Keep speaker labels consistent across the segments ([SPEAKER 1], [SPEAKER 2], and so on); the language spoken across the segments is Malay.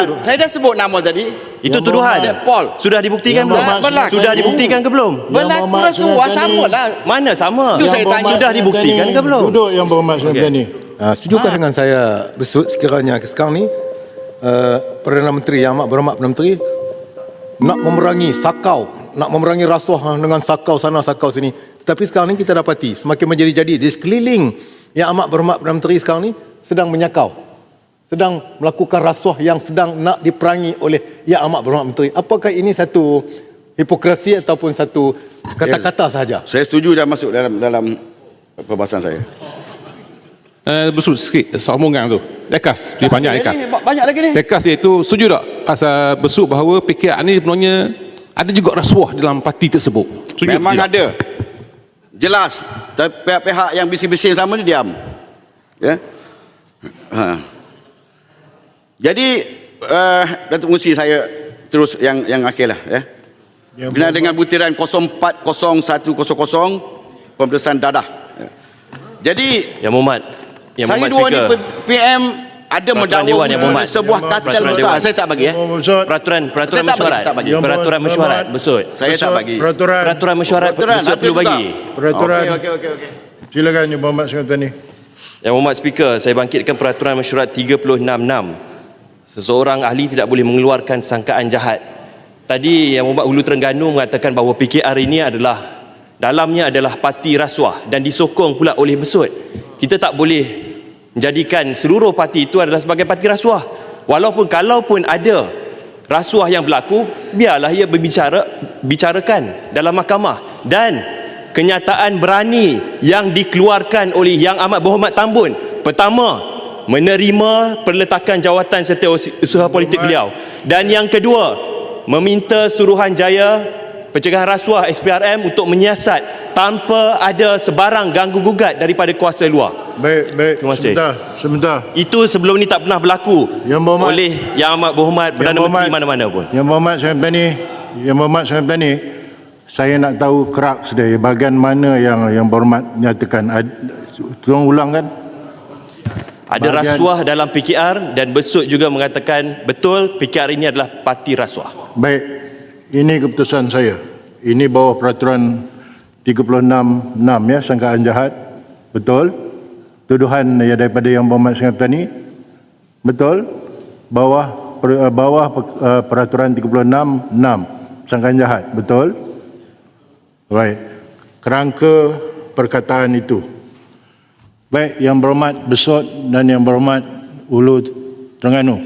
[SPEAKER 1] Saya dah sebut nama tadi.
[SPEAKER 2] Itu tuduhan.
[SPEAKER 1] Paul.
[SPEAKER 2] Sudah dibuktikan belum? Sudah dibuktikan ke belum?
[SPEAKER 1] Berlaku rasuah sama lah.
[SPEAKER 2] Mana sama?
[SPEAKER 1] Itu saya tanya.
[SPEAKER 2] Sudah dibuktikan ke belum?
[SPEAKER 3] Duduk Yang Berhormat Sengap Tani. Setujukah dengan saya Besut sekiranya sekarang ni Perdana Menteri, Yang Amat Berhormat Perdana Menteri nak memerangi sakau, nak memerangi rasuah dengan sakau sana sakau sini. Tetapi sekarang ni kita dapati semakin menjadi-jadi di sekeliling Yang Amat Berhormat Perdana Menteri sekarang ni sedang menyakau, sedang melakukan rasuah yang sedang nak diperangi oleh Yang Amat Berhormat Menteri. Apakah ini satu hipokrasi ataupun satu kata-kata sahaja?
[SPEAKER 1] Saya setuju dah masuk dalam perbahasan saya.
[SPEAKER 4] Besut sikit sambungan tu. Lekas, dia banyak lekas.
[SPEAKER 1] Banyak lagi ni.
[SPEAKER 4] Lekas iaitu setuju tak asal Besut bahawa PKR ni sebenarnya ada juga rasuah dalam parti tersebut? Setuju
[SPEAKER 1] Memang
[SPEAKER 4] tidak?
[SPEAKER 1] ada. Jelas. Tapi pihak-pihak yang bising-bising sama ni diam. Ya. Jadi Datuk Musi saya terus yang akhirlah ya. Berkenaan dengan butiran 040100 pemeriksaan dadah. Jadi
[SPEAKER 2] Yang Mohd
[SPEAKER 1] saya dua ni
[SPEAKER 2] Speaker.
[SPEAKER 1] PM ada mendakwa
[SPEAKER 2] Dewan, Yang Mohd.
[SPEAKER 1] sebuah kartel besar. Saya tak bagi ya.
[SPEAKER 2] Peraturan
[SPEAKER 1] Saya tak bagi,
[SPEAKER 2] mesyuarat.
[SPEAKER 1] saya tak bagi.
[SPEAKER 2] Peraturan mesyuarat Besut.
[SPEAKER 1] Saya tak bagi.
[SPEAKER 2] Peraturan mesyuarat Besut perlu bagi.
[SPEAKER 3] Peraturan.
[SPEAKER 1] Okey.
[SPEAKER 3] Silakan Yang Berhormat Sengap Tani.
[SPEAKER 2] Yang Mohd Speaker, saya bangkitkan peraturan mesyuarat 366. Seseorang ahli tidak boleh mengeluarkan sangkaan jahat. Tadi Yang Mohd Hulu Terengganu mengatakan bahawa PKR ini dalamnya adalah parti rasuah dan disokong pula oleh Besut. Kita tak boleh menjadikan seluruh parti itu adalah sebagai parti rasuah. Kalaupun ada rasuah yang berlaku, biarlah ia bicarakan dalam mahkamah. Dan kenyataan berani yang dikeluarkan oleh Yang Amat Berhormat Tambun, pertama, menerima perletakan jawatan setiausaha politik beliau, dan yang kedua, meminta Suruhanjaya Pencegahan Rasuah SPRM untuk menyiasat tanpa ada sebarang ganggu-gugat daripada kuasa luar.
[SPEAKER 3] Baik.
[SPEAKER 2] Terima kasih.
[SPEAKER 3] Sebentar.
[SPEAKER 2] Itu sebelum ni tak pernah berlaku oleh Yang Amat Berhormat Perdana Menteri mana-mana pun.
[SPEAKER 3] Yang Berhormat Sengap Tani, saya nak tahu kerak sedaya bahagian mana yang Berhormat nyatakan. Tolong ulangkan.
[SPEAKER 2] Ada rasuah dalam PKR dan Besut juga mengatakan betul PKR ini adalah parti rasuah.
[SPEAKER 3] Baik. Ini keputusan saya. Ini bawah peraturan 366 ya, sangkaan jahat. Betul. Tuduhan ya daripada Yang Berhormat Sengap Tani. Betul. Bawah peraturan 366 sangkaan jahat. Betul. Baik. Kerangka perkataan itu. Baik, Yang Berhormat Besut dan Yang Berhormat Hulu Terengganu.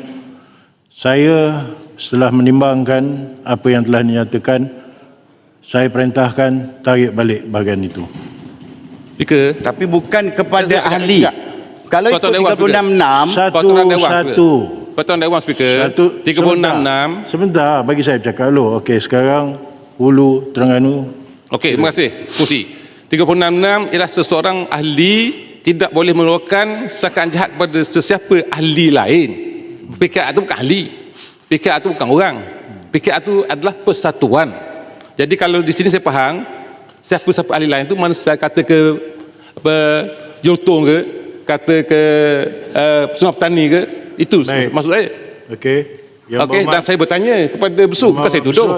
[SPEAKER 3] Saya setelah menimbangkan apa yang telah dinyatakan, saya perintahkan tarik balik bahagian itu.
[SPEAKER 4] Speaker.
[SPEAKER 1] Tapi bukan kepada ahli. Kalau ikut 366
[SPEAKER 4] Peraturan Dewan Speaker 366.
[SPEAKER 3] Sebentar, bagi saya bercakap dulu. Okey, sekarang Hulu Terengganu.
[SPEAKER 4] Okey, terima kasih. Fungsi 366 ialah seseorang ahli tidak boleh mengeluarkan sangkaan jahat kepada sesiapa ahli lain. PKR itu bukan ahli. PKR itu bukan orang. PKR itu adalah persatuan. Jadi kalau di sini saya faham, siapa-siapa ahli lain itu mana saya kata ke Joltong ke, kata ke Sungai Petani ke, itu maksud saya.
[SPEAKER 3] Okey.
[SPEAKER 4] Okey, dan saya bertanya kepada Besut, bukan saya tuduh.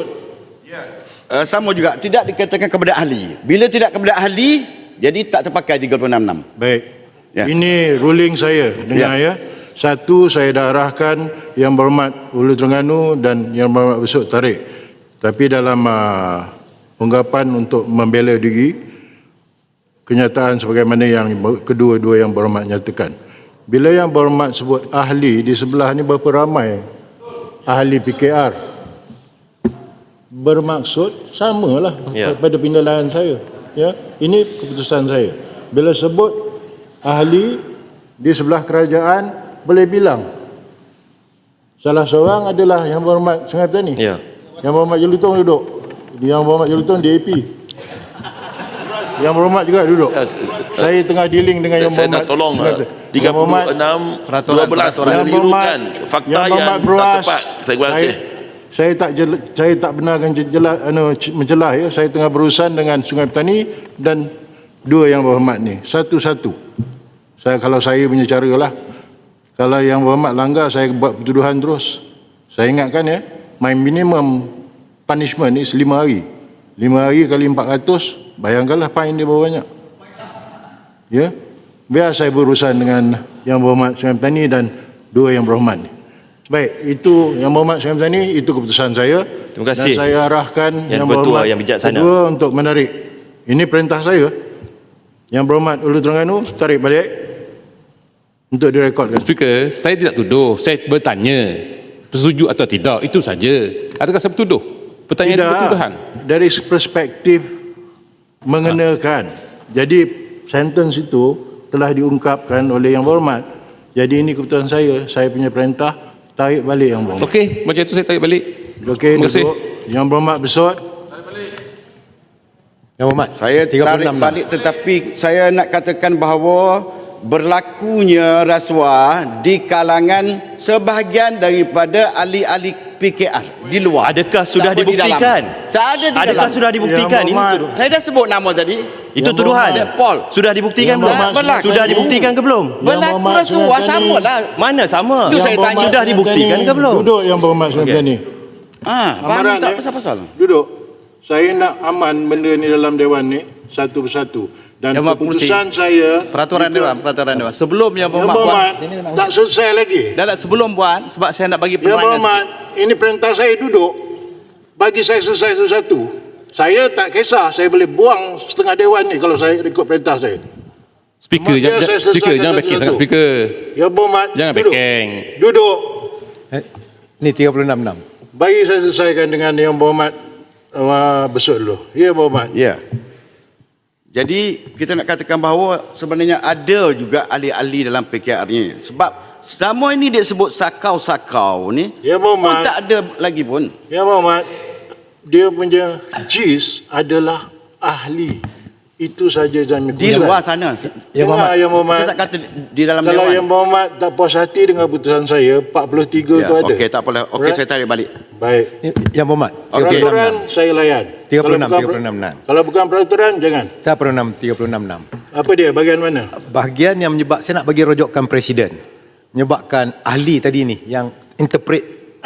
[SPEAKER 1] sama juga tidak dikatakan kepada ahli. Bila tidak kepada ahli, jadi tak terpakai 366.
[SPEAKER 3] Baik.
[SPEAKER 1] Ya.
[SPEAKER 3] Ini ruling saya. Dengar ya. Satu, saya dah arahkan Yang Berhormat Hulu Terengganu dan Yang Berhormat Besut tarik. Tapi dalam ungkapan untuk membela diri, kenyataan sebagaimana yang kedua-dua Yang Berhormat nyatakan. Bila Yang Berhormat sebut ahli, di sebelah ni berapa ramai ahli PKR. Bermaksud samalah pada penilaian saya. Ya, ini keputusan saya. Bila sebut ahli di sebelah kerajaan, boleh bilang salah seorang adalah Yang Berhormat Sengap Tani.
[SPEAKER 2] Ya.
[SPEAKER 3] Yang Berhormat Jelutong duduk. Yang Berhormat Jelutong DAP. Yang Berhormat juga duduk. Saya tengah dealing dengan Yang Berhormat.
[SPEAKER 5] Saya nak tolong 36 12 orang kelirukan fakta yang tak tepat. Terima kasih.
[SPEAKER 3] Saya tak benarkan mencelah ya. Saya tengah berurusan dengan Sungai Petani dan dua Yang Berhormat ni. Satu-satu. Kalau saya punya cara lah. Kalau Yang Berhormat langgar, saya buat pertuduhan terus.
[SPEAKER 6] Saya ingatkan ya, my minimum punishment is 5 hari. 5 hari kali 400, bayangkanlah fine dia berapa banyak. Ya, biar saya berurusan dengan Yang Berhormat Sungai Petani dan dua Yang Berhormat ni. Baik, itu Yang Berhormat Sungai Petani, itu keputusan saya.
[SPEAKER 2] Terima kasih.
[SPEAKER 6] Dan saya arahkan
[SPEAKER 2] Yang
[SPEAKER 6] Yang
[SPEAKER 2] Bertuah,
[SPEAKER 6] Berhormat
[SPEAKER 2] Yang Bijaksana
[SPEAKER 6] kedua untuk menarik. Ini perintah saya. Yang Berhormat Ulu Terengganu, tarik balik untuk direkodkan.
[SPEAKER 4] Speaker, saya tidak tuduh, saya bertanya setuju atau tidak, itu saja. Adakah saya bertuduh? Pertanyaan itu bertuduhan.
[SPEAKER 6] Dari perspektif mengenakan. Jadi sentence itu telah diungkapkan oleh Yang Berhormat. Jadi ini keputusan saya punya perintah, tarik balik Yang Berhormat.
[SPEAKER 4] Okey, macam itu saya tarik balik.
[SPEAKER 6] Okey,
[SPEAKER 4] Terima kasih.
[SPEAKER 6] duduk. Yang Berhormat bersut.
[SPEAKER 3] Yang Berhormat,
[SPEAKER 1] Saya
[SPEAKER 3] 36
[SPEAKER 1] tarik balik, tetapi saya nak katakan bahawa berlakunya rasuah di kalangan sebahagian daripada ahli-ahli PKR di luar.
[SPEAKER 2] Adakah sudah
[SPEAKER 1] Tak di dalam.
[SPEAKER 2] dibuktikan?
[SPEAKER 1] Tak ada di
[SPEAKER 2] Adakah
[SPEAKER 1] dalam.
[SPEAKER 2] sudah dibuktikan?
[SPEAKER 6] Yang
[SPEAKER 2] Ini
[SPEAKER 6] Berhormat.
[SPEAKER 2] tuduhan.
[SPEAKER 1] Saya dah sebut nama tadi.
[SPEAKER 2] Itu
[SPEAKER 6] Yang
[SPEAKER 2] tuduhan.
[SPEAKER 1] Berhormat. Paul.
[SPEAKER 2] Sudah dibuktikan
[SPEAKER 6] Yang
[SPEAKER 2] belum?
[SPEAKER 6] Berhormat
[SPEAKER 2] Sudah
[SPEAKER 6] Sungai
[SPEAKER 2] dibuktikan ke belum?
[SPEAKER 6] Yang
[SPEAKER 1] Berlaku
[SPEAKER 6] Berhormat
[SPEAKER 1] rasuah
[SPEAKER 6] Sungai Petani.
[SPEAKER 1] sama lah.
[SPEAKER 2] Mana sama?
[SPEAKER 1] Itu saya tanya.
[SPEAKER 2] Sudah dibuktikan ke belum?
[SPEAKER 6] Duduk Yang Berhormat Sungai Petani.
[SPEAKER 1] Faham tak pasal-pasal?
[SPEAKER 6] Duduk. Saya nak aman benda ni dalam Dewan ni satu persatu. Dan
[SPEAKER 7] Yang Berhormat
[SPEAKER 6] keputusan saya
[SPEAKER 7] Peraturan Dewan. Sebelum Yang
[SPEAKER 6] Yang
[SPEAKER 7] Berhormat buat,
[SPEAKER 6] Berhormat tak selesai lagi.
[SPEAKER 7] sebelum buat, sebab saya nak bagi
[SPEAKER 6] Yang
[SPEAKER 7] penerangan
[SPEAKER 6] Berhormat, ini perintah saya duduk. Bagi saya selesai satu-satu. Saya tak kisah, saya boleh buang setengah Dewan ni kalau saya ikut perintah saya.
[SPEAKER 4] Speaker,
[SPEAKER 6] Biar saya
[SPEAKER 4] speaker
[SPEAKER 6] selesaikan
[SPEAKER 4] jangan backing sangat
[SPEAKER 6] satu-satu.
[SPEAKER 4] speaker.
[SPEAKER 6] Yang Berhormat,
[SPEAKER 4] Jangan
[SPEAKER 6] duduk.
[SPEAKER 4] backing.
[SPEAKER 6] Duduk.
[SPEAKER 3] Ni 36-6.
[SPEAKER 6] Bagi saya selesaikan dengan Yang Berhormat besut dulu. Ya, Berhormat.
[SPEAKER 1] Ya. Jadi kita nak katakan bahawa sebenarnya ada juga ahli-ahli dalam PKR ni. Sebab selama ini dia sebut sakau-sakau ni,
[SPEAKER 6] Ya,
[SPEAKER 1] pun
[SPEAKER 6] Berhormat.
[SPEAKER 1] tak ada lagi pun.
[SPEAKER 6] Ya, Berhormat. Dia punya JIS adalah ahli. Itu saja jangan
[SPEAKER 1] Di luar sana.
[SPEAKER 6] Ya, Yang Berhormat.
[SPEAKER 1] Saya tak kata di dalam
[SPEAKER 6] Kalau
[SPEAKER 1] Dewan.
[SPEAKER 6] Yang Berhormat tak puas hati dengan putusan saya, 43
[SPEAKER 1] Ya,
[SPEAKER 6] tu ada.
[SPEAKER 1] okey, tak apalah. Okey, saya tarik balik.
[SPEAKER 6] Baik.
[SPEAKER 3] Yang Berhormat,
[SPEAKER 1] Okey.
[SPEAKER 6] Peraturan saya layan.
[SPEAKER 3] 36-36.
[SPEAKER 6] Kalau bukan peraturan, jangan.
[SPEAKER 3] Saya 36-36.
[SPEAKER 6] Apa dia? Bahagian mana?
[SPEAKER 3] Bahagian yang menyebab, saya nak bagi rojokkan Presiden. Menyebabkan ahli tadi ni, yang interpret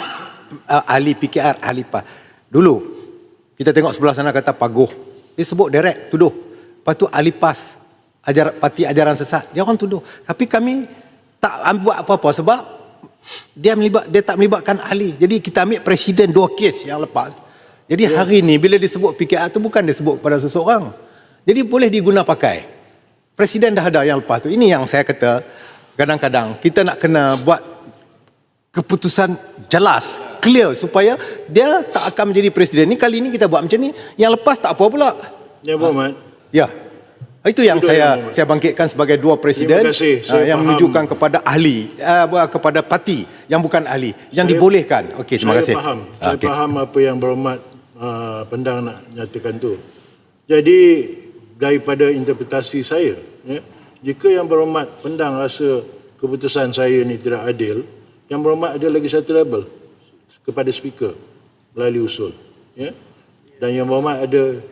[SPEAKER 3] ahli PKR, ahli PAS. Dulu, kita tengok sebelah sana kata Paguh. Dia sebut direct, tuduh. Lepas tu ahli PAS, parti ajaran sesat. Dia orang tuduh. Tapi kami tak buat apa-apa sebab dia tak melibatkan ahli. Jadi kita ambil Presiden 2 kes yang lepas. Jadi hari ni bila disebut PKR tu bukan disebut kepada seseorang. Jadi boleh diguna pakai. Presiden dah ada yang lepas tu. Ini yang saya kata kadang-kadang kita nak kena buat keputusan jelas, clear supaya dia tak akan menjadi presiden. Ni kali ni kita buat macam ni, yang lepas tak apa pula.
[SPEAKER 6] Ya, Berhormat.
[SPEAKER 3] Ya. Itu yang
[SPEAKER 6] Betul,
[SPEAKER 3] saya bangkitkan sebagai dua presiden
[SPEAKER 6] Terima kasih. Saya
[SPEAKER 3] yang
[SPEAKER 6] faham.
[SPEAKER 3] menunjukkan kepada ahli, kepada parti yang bukan ahli, yang dibolehkan. Okey, terima kasih.
[SPEAKER 6] Saya faham. Saya
[SPEAKER 3] Okey.
[SPEAKER 6] faham apa yang Berhormat Pendang nak nyatakan tu. Jadi daripada interpretasi saya, ya, jika yang Berhormat Pendang rasa keputusan saya ni tidak adil, yang Berhormat ada lagi satu label kepada speaker melalui usul, ya. Dan yang Berhormat ada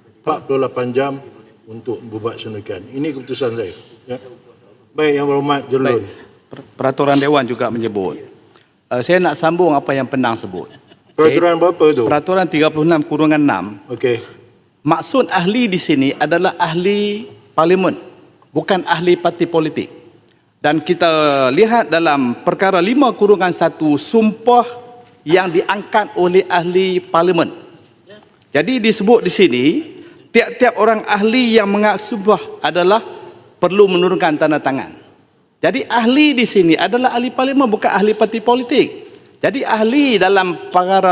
[SPEAKER 6] 48 jam untuk membuat suntikan. Ini keputusan saya, ya. Baik, yang Berhormat Jerlun.
[SPEAKER 7] Peraturan Dewan juga menyebut. Saya nak sambung apa yang Pendang sebut.
[SPEAKER 6] Peraturan berapa tu?
[SPEAKER 7] Peraturan 36/6.
[SPEAKER 6] Okey.
[SPEAKER 7] Maksud ahli di sini adalah ahli parlimen, bukan ahli parti politik. Dan kita lihat dalam perkara 5/1 sumpah yang diangkat oleh ahli parlimen. Jadi disebut di sini tiap-tiap orang ahli yang mengaku sumpah adalah perlu menurunkan tanda tangan. Jadi ahli di sini adalah ahli parlimen, bukan ahli parti politik. Jadi ahli dalam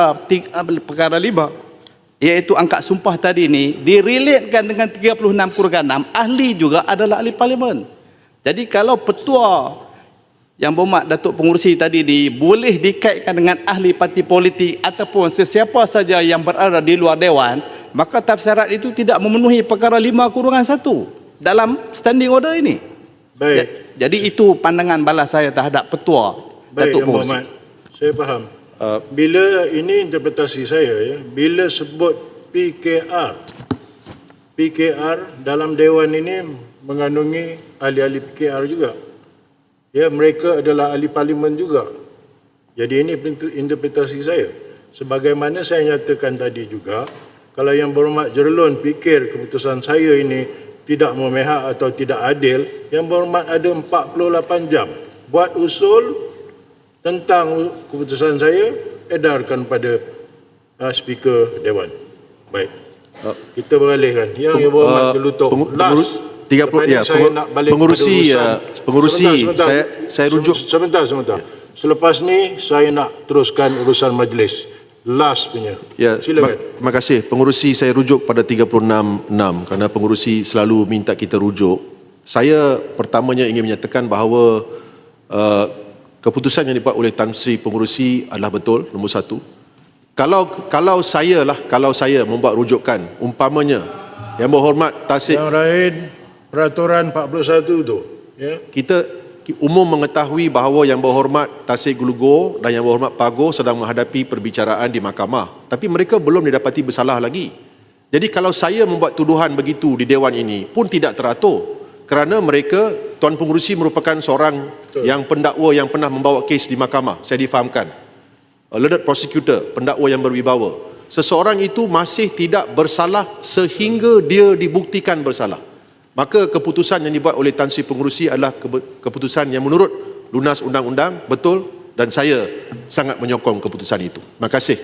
[SPEAKER 7] perkara 5 iaitu angkat sumpah tadi ni direlatekan dengan 36/6, ahli juga adalah ahli parlimen. Jadi kalau petua yang Berhormat Datuk Pengerusi tadi ni boleh dikaitkan dengan ahli parti politik ataupun sesiapa saja yang berada di luar Dewan, maka tafsirat itu tidak memenuhi perkara 5/1 dalam standing order ini.
[SPEAKER 6] Baik.
[SPEAKER 7] Jadi itu pandangan balas saya terhadap petua
[SPEAKER 6] Baik,
[SPEAKER 7] Datuk
[SPEAKER 6] Yang
[SPEAKER 7] Pengerusi.
[SPEAKER 6] Berhormat. Saya faham. Bila ini interpretasi saya, ya, bila sebut PKR dalam Dewan ini mengandungi ahli-ahli PKR juga. Ya, mereka adalah ahli parlimen juga. Jadi ini interpretasi saya. Sebagaimana saya nyatakan tadi juga, kalau Yang Berhormat Jerlun fikir keputusan saya ini tidak memihak atau tidak adil, Yang Berhormat ada 48 jam buat usul tentang keputusan saya, edarkan pada Speaker Dewan. Baik. Kita beralihkan. Yang Berhormat Gelutok. Last.
[SPEAKER 8] 30 ya,
[SPEAKER 6] saya nak balik
[SPEAKER 8] pengurusi
[SPEAKER 6] pada
[SPEAKER 8] pengurusi
[SPEAKER 6] sebentar.
[SPEAKER 8] saya rujuk
[SPEAKER 6] Sebentar. Selepas ni saya nak teruskan urusan majlis. Last punya.
[SPEAKER 8] ya.
[SPEAKER 6] Silakan.
[SPEAKER 8] Terima kasih. Pengurusi saya rujuk pada 36.6 kerana pengurusi selalu minta kita rujuk. Saya pertamanya ingin menyatakan bahawa keputusan yang dibuat oleh Tan Sri Pengurusi adalah betul, nombor satu. Kalau saya membuat rujukan, umpamanya Yang Berhormat Tasik,
[SPEAKER 6] Yang lain peraturan 41 tu, ya.
[SPEAKER 8] kita umum mengetahui bahawa Yang Berhormat Tasik Gelugor dan Yang Berhormat Pago sedang menghadapi perbicaraan di mahkamah, tapi mereka belum didapati bersalah lagi. Jadi kalau saya membuat tuduhan begitu di Dewan ini pun tidak teratur, kerana mereka, Tuan Pengurusi merupakan seorang yang pendakwa yang pernah membawa kes di mahkamah, saya difahamkan, learned prosecutor, pendakwa yang berwibawa. Seseorang itu masih tidak bersalah sehingga dia dibuktikan bersalah. Maka keputusan yang dibuat oleh Tan Sri Pengurusi adalah keputusan yang menurut lunas undang-undang, betul, dan saya sangat menyokong keputusan itu. Terima kasih.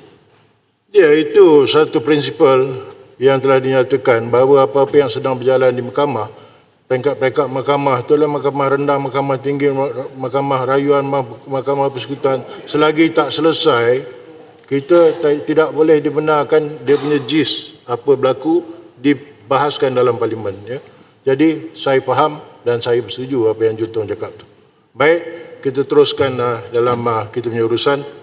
[SPEAKER 6] Ya, itu satu prinsipal yang telah dinyatakan bahawa apa-apa yang sedang berjalan di mahkamah, peringkat-peringkat mahkamah, itulah mahkamah rendah, mahkamah tinggi, mahkamah rayuan, mahkamah persekutuan, selagi tak selesai, kita tidak boleh dibenarkan dia punya gist apa berlaku dibahaskan dalam parlimen, ya. Jadi saya faham dan saya bersetuju apa yang Jutong cakap tu. Baik, kita teruskan dalam kita punya urusan.